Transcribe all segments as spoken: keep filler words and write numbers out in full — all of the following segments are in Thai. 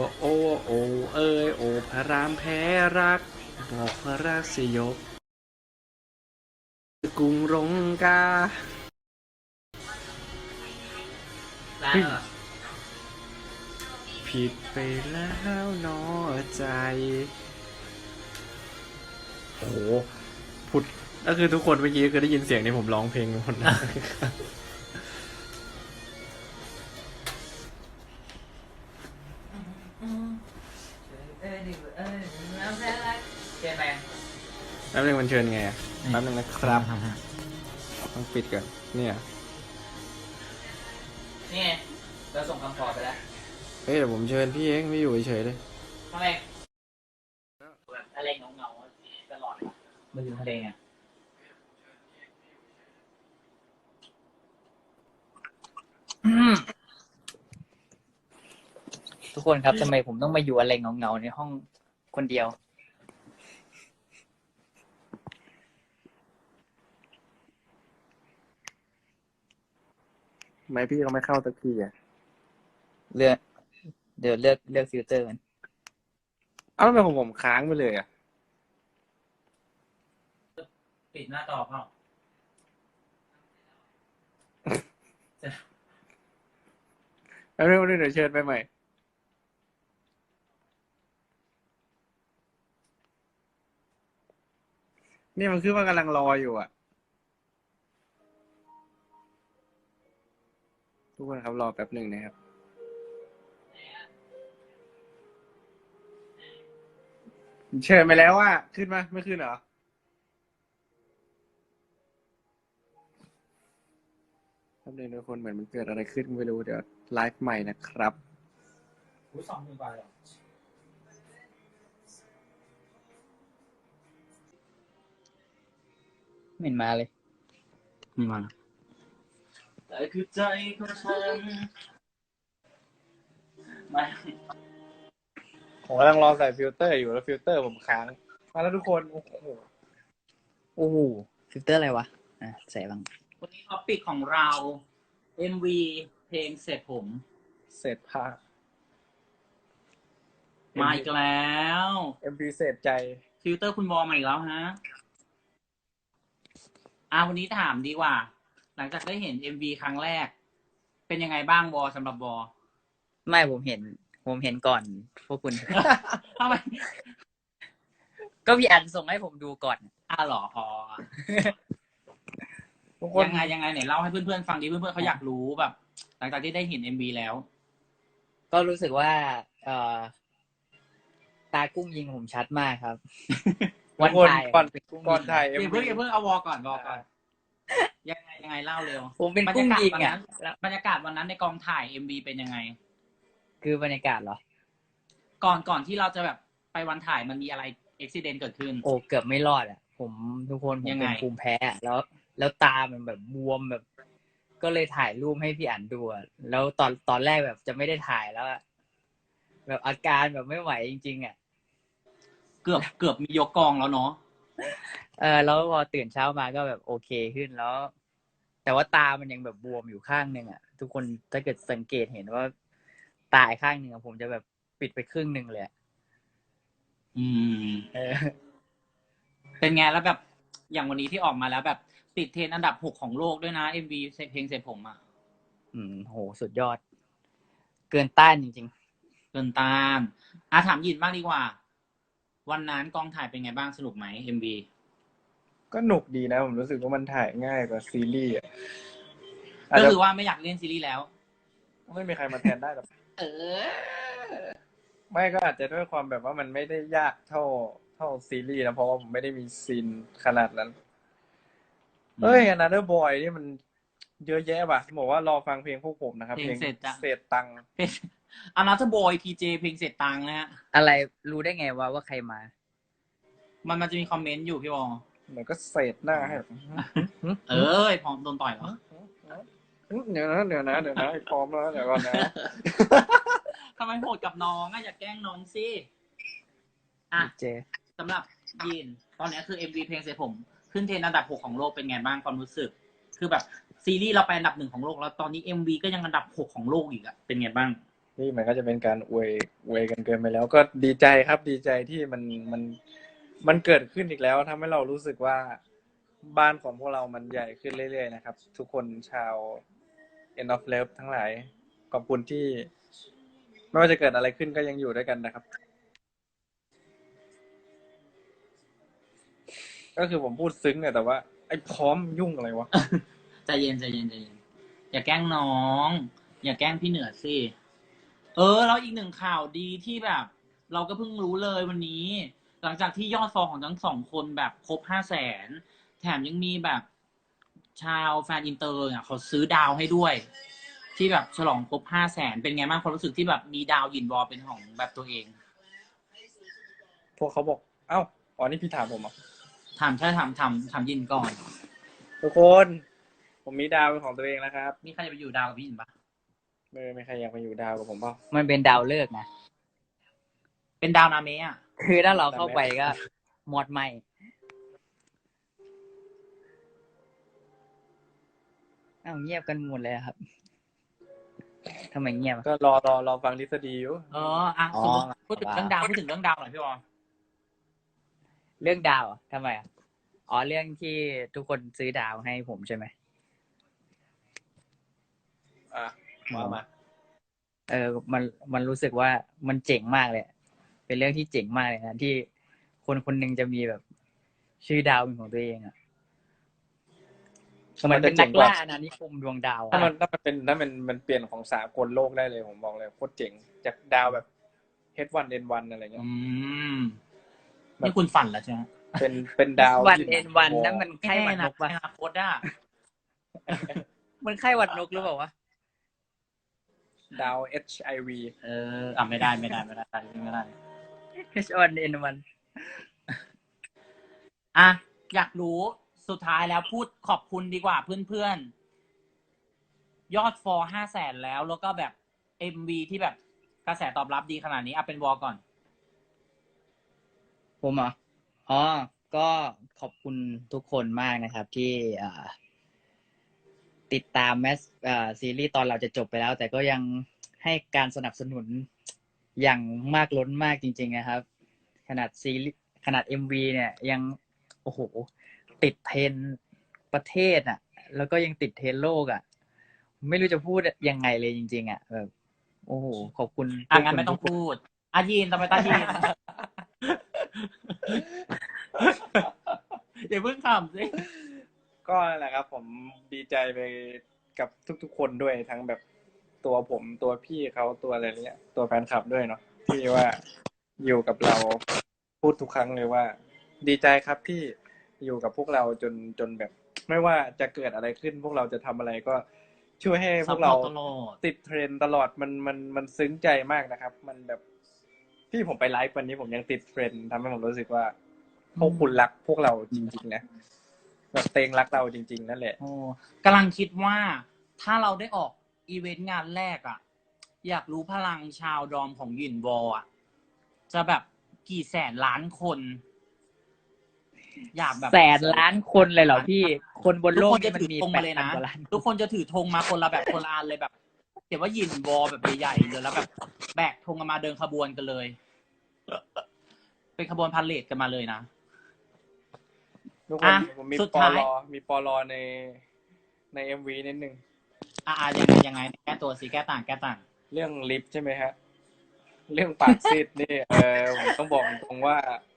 โอ้โอ้เอ้ยโอ้พระรามแพ้รักบอกพระรักสยบกรุงรงกาได้แล้วเหรอผิดไปแล้วนอใจโอ้โหผุดก็คือทุกคนเมื่อกี้คือได้ยินเสียงที่ผมร้องเพลงหมดนะเออดิเออแล้วแพ้รักเชิญไปแป๊บนึงมันเชิญไงอะแป๊บนึงนะครับต้องปิดก่อนเนี่ยนี่ไงเราส่งคำขอไปแล้วเฮ้ยเดี๋ยวผมเชิญพี่เองไม่อยู่เฉยๆเลยทำไมแบบทะเลเงาๆตลอดมาอยู่ทะเลไงอืมทุกคนครับทำไมผมต้องมาอยู่อะไรเงาๆในห้องคนเดียวทำไมพี่เขาไม่เข้าสักทีอ่ะเลือกเดี๋ยวเลือกเลือกฟิลเตอร์กันเอ้าทำไมของผมค้างไปเลยอ่ะปิดหน้าต่อเปล่าแป๊บนึงเดี๋ยวเชิญไปใหม่ นี่มันคือว่ากำลังรออยู่อ่ะ ทุกคนครับรอแป๊บหนึ่งนะครับ เชิญไปแล้วว่าขึ้นมาไม่ขึ้นเหรอแป๊บนึงทุกคนเหมือนมันเกิดอะไรขึ้นไม่รู้เดี๋ยวไลฟ์ใหม่นะครับหูสองหมื่นกว่าเลยไม่เห็นมาเลยไม่มาแต่คือใจของฉันไม่ผมกำลังรอใส่ฟิลเตอร์อยู่แล้วฟิลเตอร์ผมค้างมาแล้วทุกคนโอ้โหโอ้โหฟิลเตอร์อะไรวะอ่ะใส่บ้างวันนี้ท็อปิกของเรา เอ็ม วี เพลงเสร็จผมเสร็จภาคมาอีกแล้วเอ็มพีเสร็จใจฟิลเตอร์คุณบอมาอีกแล้วฮะอ่าวันนี้ถามดีกว่า หลังจากได้เห็น เอ็ม วี ครั้งแรก เป็นยังไงบ้างบอสำหรับบอไม่ผมเห็น ผมเห็นก่อนพวกคุณ ทำไม ก็พี่อันส่งให้ผมดูก่อนอ้าวเหรออ๋อทุกคนยังไงยังไงไหนเล่าให้เพื่อนๆฟังดิเพื่อนๆเขาอยากรู้แบบ หลังจากที่ได้เห็น เอ็ม วี แล้ว ก็รู้สึกว่าเอ่อตากุ้งยิงผมชัดมากครับวันถ่ายก่อนก่อนถ่ายเดี๋ยวเพิ่งเดี๋ยวเพิ่งเอาวอก่อนวอก่อนยังไงยังไงเล่าเร็วผมเป็นกุ้งยิงอ่ะบรรยากาศวันนั้นในกองถ่าย เอ็ม วี เป็นยังไงคือบรรยากาศเหรอก่อนก่อนที่เราจะแบบไปวันถ่ายมันมีอะไรอุบิเหตุเกิดขึ้นโอ้เกือบไม่รอดอ่ะ ผมทุกคนผมยังไงเป็นภูมิแพ้อะแล้ว แล้วตามันแบบบวมแบบ ก็เลยถ่ายรูปให้พี่อั๋นดูอะแล้วตอนตอนแรกแบบจะไม่ได้ถ่ายแล้วอะแบบอาการแบบไม่ไหวจริงๆอ่ะเกือบเกือบมียกกองแล้วเนาะเออแล้วพอตื่นเช้ามาก็แบบโอเคขึ้นแล้ว แต่ว่าตามันยังแบบบวมอยู่ข้างหนึ่งอ่ะ ทุกคนถ้าเกิดสังเกตเห็นว่าตาอีกข้างหนึ่งอะผมจะแบบปิดไปครึ่งหนึ่งเลยอะอืมเออเป็นไงแล้วแบบอย่างวันนี้ที่ออกมาแล้วแบบติดเทรนด์อันดับหกของโลกด้วยนะ เอ็ม วี เพลงเสร็จผมอ่ะอืมโหสุดยอด เกินต้านจริงเกินตามอ่ะถามยินบ้างดีกว่า วันนั้นกองถ่ายเป็นไงบ้างสนุกไหม เอ็ม วีก็หนุกดีนะ ผมรู้สึกว่ามันถ่ายง่ายกว่าซีรีส์อ่ะก็คือว่าไม่อยากเล่นซีรีส์แล้วไม่มีใครมาแทนได้หรอกเออไม่ก็อาจจะด้วยความแบบว่ามันไม่ได้ยากเท่าเท่าซีรีส์นะเพราะว่าผมไม่ได้มีซีนขนาดนั้น เฮ้ย Another Boy นี่มันเยอะแยะว่ะบอกว่ารอฟังเพลงพวกผมนะครับเพลงเสร็จจ้ะเศษตังค์อานาเธอร์บอยพีเจเพลงเสร็จตังค์นะฮะๆ อะไรรู้ได้ไงว่าว่าใครมามันมันจะมีคอมเมนต์อยู่พี่บอลเหมือนก็เศษหน้าให้แบบเอ้ยพร้อมโดนต่อยเหรอเดี๋ยวนะเดี๋ยวนะเดี๋ยวนะพร้อมแล้วเดี๋ยวก่อนนะทำไมโหดกับน้องอ่ะอย่าแกล้งน้องสิอ่ะเจสำหรับยีนตอนนี้คือ เอ็ม วี เพลงเสร็จผม ขึ้นเทรนด์อันดับหกของโลกเป็นไงบ้างความรู้สึก คือแบบซีรีส์เราไปอันดับหนึ่งของโลกแล้วตอนนี้ เอ็ม วี ก็ยังอันดับหกของโลกอีกอะเป็นไงบ้างนี่มันก็จะเป็นการอวยอวยกันเกินไปแล้วก็ดีใจครับดีใจที่มันมันมันเกิดขึ้นอีกแล้วทำให้เรารู้สึกว่าบ้านของพวกเรามันใหญ่ขึ้นเรื่อยๆนะครับทุกคนชาว End of Love ทั้งหลายขอบคุณที่ไม่ว่าจะเกิดอะไรขึ้นก็ยังอยู่ด้วยกันนะครับก็คือผมพูดซึ้งเนี่ยแต่ว่าไอ้พร้อมยุ่งอะไรวะใจเย็นใจเย็นใจเย็นอย่าแกล้งน้อง อย่าแกล้งพี่เหนือสิเออแล้วอีกหนึ่งข่าวดีที่แบบ เราก็เพิ่งรู้เลยวันนี้ หลังจากที่ยอดฟอลของทั้งสองคนแบบครบห้าแสนแถมยังมีแบบชาวแฟนอินเตอร์อ่ะเขาซื้อดาวให้ด้วย ที่แบบฉลองครบห้าแสนเป็นไงบ้างความรู้สึกที่แบบมีดาวหยินวอลเป็นของแบบตัวเองพวกเขาบอกเอ้าอ๋อนี่พี่ถามผมอ่ะถามใช่ถามถามถามยินก่อนทุกคนผมมีดาวเป็นของตัวเองแล้วครับมีใครจะไปอยู่ดาวกับพี่ยินปะไม่ไม่ใครอยากมาอยู่ดาวกับผมเปล่ามันเป็นดาวฤกษ์นะเป็นดาวนาเมะอ่ะคือถ้าเราเข้าไปก็หมดไหมอ้าวเงียบกันหมดเลยอะครับทำไมเงียบอะก็รอรอรอฟังทฤษฎีอยู่เอออ่ะอ๋อสมมติพูดถึงเรื่องดาวพูดถึงเรื่องดาวหน่อยพี่บอลเรื่องดาวอะทำไมอ่ะอ๋อเรื่องที่ทุกคนซื้อดาวให้ผมใช่ไหมอ่ะมามาเออ มัน มันรู้สึกว่ามันเจ๋งมากเลย เป็นเรื่องที่เจ๋งมากเลยนะที่คนคนหนึ่งจะมีแบบชื่อดาวเป็นของตัวเองอ่ะมันเป็นนักล่าอาณานิคมดวงดาวอะถ้ามันถ้ามันเป็นถ้ามันมันเปลี่ยนของสากลโลกได้เลยผมบอกเลยโคตรเจ๋งจากดาวแบบ เอช วัน เอ็น วัน อะไรเงี้ยอืมนี่คุณฝันแล้วใช่ไหมเป็นเป็นดาววันที่เอ็นวันนั้นมันไข้หวัดนกปะปะอนาคตอ่ะมันไข้หวัดนกหรือเปล่าวะดาว เอช ไอ วีเอออ่ะไม่ได้ไม่ได้ไม่ได้ไม่ได้เอช วัน เอ็น วันอ่ะอยากรู้สุดท้ายแล้วพูดขอบคุณดีกว่าเพื่อนๆ ยอดฟอลห้าแสนแล้วแล้วก็แบบเอ็มวีที่แบบกระแสตอบรับดีขนาดนี้อ่ะเป็นวอลก่อนผมเหรออ๋อ ก็ขอบคุณทุกคนมากนะครับ ที่อ่าติดตามแมสอ่าซีรีส์ตอนเราจะจบไปแล้ว แต่ก็ยังให้การสนับสนุนอย่างมากล้นมากจริง ๆ นะครับ ขนาดซีรีส์ขนาดเอ็มวีเนี่ยยังโอ้โหติดเทรนด์ประเทศอ่ะ แล้วก็ยังติดเทรนด์โลกอ่ะ ไม่รู้จะพูดยังไงเลยจริง ๆ อ่ะแบบโอ้โหขอบคุณอ่ะงั้นไม่ต้องพูดอายินทำไมตายิน อย่าเพิ่งขำสิก็นั่นแหละครับ ผมดีใจไปกับทุกๆคนด้วยทั้งแบบตัวผมตัวพี่เขาตัวอะไรเนี้ยตัวแฟนคลับด้วยเนาะที่ว่าอยู่กับเราพูดทุกครั้งเลยว่า ดีใจครับที่อยู่กับพวกเราจนจนแบบ ไม่ว่าจะเกิดอะไรขึ้น พวกเราจะทำอะไรก็ช่วยให้พวกเราตลอดติดเทรนด์ตลอดมันมันมันซึ้งใจมากนะครับ มันแบบที่ผมไปไลฟ์วันนี้ผมยังติดเทรนด์ทำให้ผมรู้สึกว่าพวกคุณรักพวกเราจริงๆนะแบบเตงรักเราจริงๆนั่นแหละโอ้กำลังคิดว่าถ้าเราได้ออกอีเวนต์งานแรกอ่ะ อยากรู้พลังชาวดอมของหยินวอลอ่ะ จะแบบกี่แสนล้านคน อยากแบบแสนล้านคนเลยเหรอพี่ คนบนทุกโลกคนจะมันถือมีธงแปมาดเลยพันนะกว่าล้านทุกคนจะถือธงมาคนละแบบคนละอันเลยแบบเขียนว่าหยินวอลแบบใหญ่ๆเลยแล้วแบบแบกธงกันมาเดินขบวนกันเลย เป็นขบวนพาเลทกันมาเลยนะทุกคนอ่ะผมมีสุดปอท้ายลอมีปอลอในในเอ็มวีนิดนึงอ่ายังไงยังไงแก้ตัวสิแก้ต่างแก้ต่างเรื่องลิฟต์ใช่ไหมฮะ เรื่องปากซีดนี่ เออผมต้องบอกตรงว่า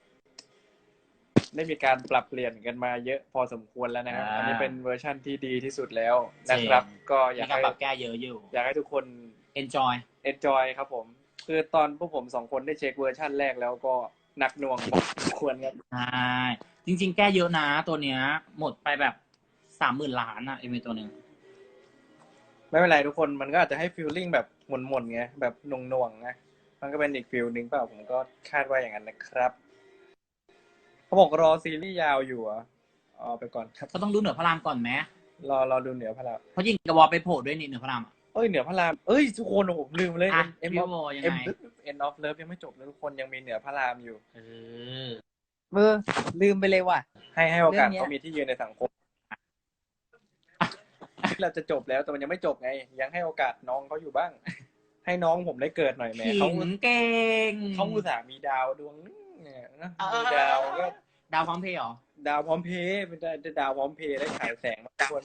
ได้มีการปรับเปลี่ยนกันมาเยอะพอสมควรแล้วนะครับอ่าอันนี้เป็นเวอร์ชั่นที่ดีที่สุดแล้วนะครับ ก็อมียากการให้ปรับแก้เยอะอยู่อยากให้ทุกคน enjoy enjoy ครับผม คือตอนพวกผมสองคนได้เช็คเวอร์ชั่นแรกแล้วก็หนักหน่วงพอสมควรครับใช่จริง ๆ แก้เยอะนะตัวเนี้ย หมดไปแบบสามหมื่นล้านอะเอ็มวีตัวหนึ่งไม่เป็นไรทุกคนมันก็อาจจะให้ฟีลลิ่งแบบหม่นๆไงแบบหน่วงๆไงมันก็เป็นอีกฟีลนึงเปล่าผมก็คาดว่าอย่างนั้นนะครับเขาบอกรอซีรีส์ยาวอยู่อ่ะเอาไปก่อนครับก็ต้องดูเหนือพระรามก่อนไหมรอรอดูเหนือพระรามเพราะยิงกระวอลไปโผล่ด้วยนี่เหนือพระรามอะเอ้ยเหนือพระรามเอ้ยทุกคนผมลืมเลยอ่ะเอ็มพี่ออฟโบยังเอ็มไงเอ็นออฟเลิฟยังไม่จบเลยทุกคนยังมีเหนือพระรามอยู่เออเออลืมไปเลยว่ะให้ให้โอกาสเรื่องเนี้ยเขามีที่ยืนในสังคมเราจะจบแล้วแต่มันยังไม่จบไง ยังให้โอกาสน้องเขาอยู่บ้างให้น้องผมได้เกิดหน่อยแหมขิเขางเก่งเขาอุตส่าห์มีดาวดวงนึงเนี่ยนะเออมีดาวก็ดาวพร้อมเพย์เหรอดาวพร้อมเพย์เป็นดาวพร้อมเพย์ได้ฉายแสงมาทุกคน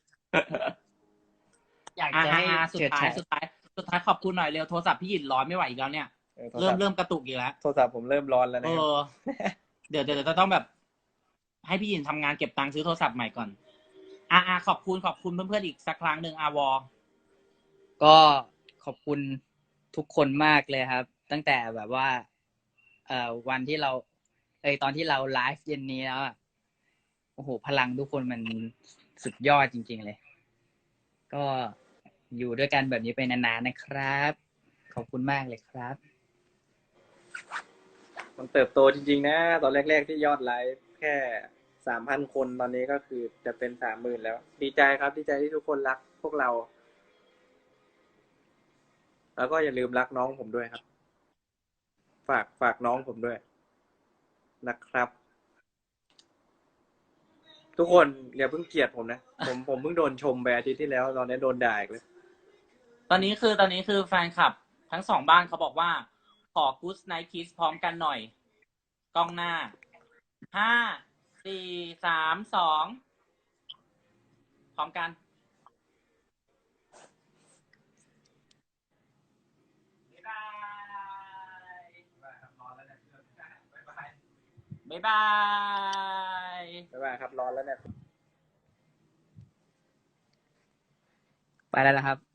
อยากอ่าจะให้สุดเฉิดท้ายฉายสุดท้ายสุดท้ายขอบคุณหน่อยเร็วโทรศัพท์พี่หยินร้อนไม่ไหวอีกแล้วเนี่ยเออโทรเริ่ศัมพท์เริ่มกระตุกอีกแล้วโทรศัพท์ผมเริ่มร้อนแล้วเอนะครับอ เดี๋ยวเดี๋ยวจะต้องแบบ ให้พี่หยินทำงานเก็บตังค์ซื้อโทรศัพท์ใหม่ก่อน อ่าอ่าขอบคุณขอบคุณเพื่อนๆอีกสักครั้งหนึ่งอาวอก็ขอบคุณทุกคนมากเลยครับ ตั้งแต่แบบว่า เอ่อวันที่เรา เอยตอนที่เราไลฟ์เย็นนี้แล้วอะโอ้โหพลังทุกคนมันสุดยอดจริง ๆ เลย ก็อยู่ด้วยกันแบบนี้ไปนานๆนะครับ ขอบคุณมากเลยครับมันเติบโตจริงๆนะ ตอนแรกๆที่ยอดไลฟ์แค่สามพันคนตอนนี้ก็คือจะเป็นสามหมื่นแล้ว ดีใจครับ ดีใจที่ทุกคนรักพวกเรา แล้วก็อย่าลืมรักน้องผมด้วยครับ ฝากฝากน้องผมด้วยนะครับ ทุกคนอย่าเพิ่งเกลียดผมนะ ผมผมเพิ่งโดนชมไปอาทิตย์ที่แล้ว ตอนนี้โดนด่าอีกเลยตอนนี้คือตอนนี้คือแฟนคลับ ทั้งสองบ้านเขาบอกว่า ขอ Good Night Kiss พร้อมกันหน่อย กล้องหน้า ห้า สี่ สาม สอง พร้อมกัน บ๊ายบาย บ๊ายบายบ๊ายบายครับ ร้อนแล้วเนี่ยไปแล้วนะครับ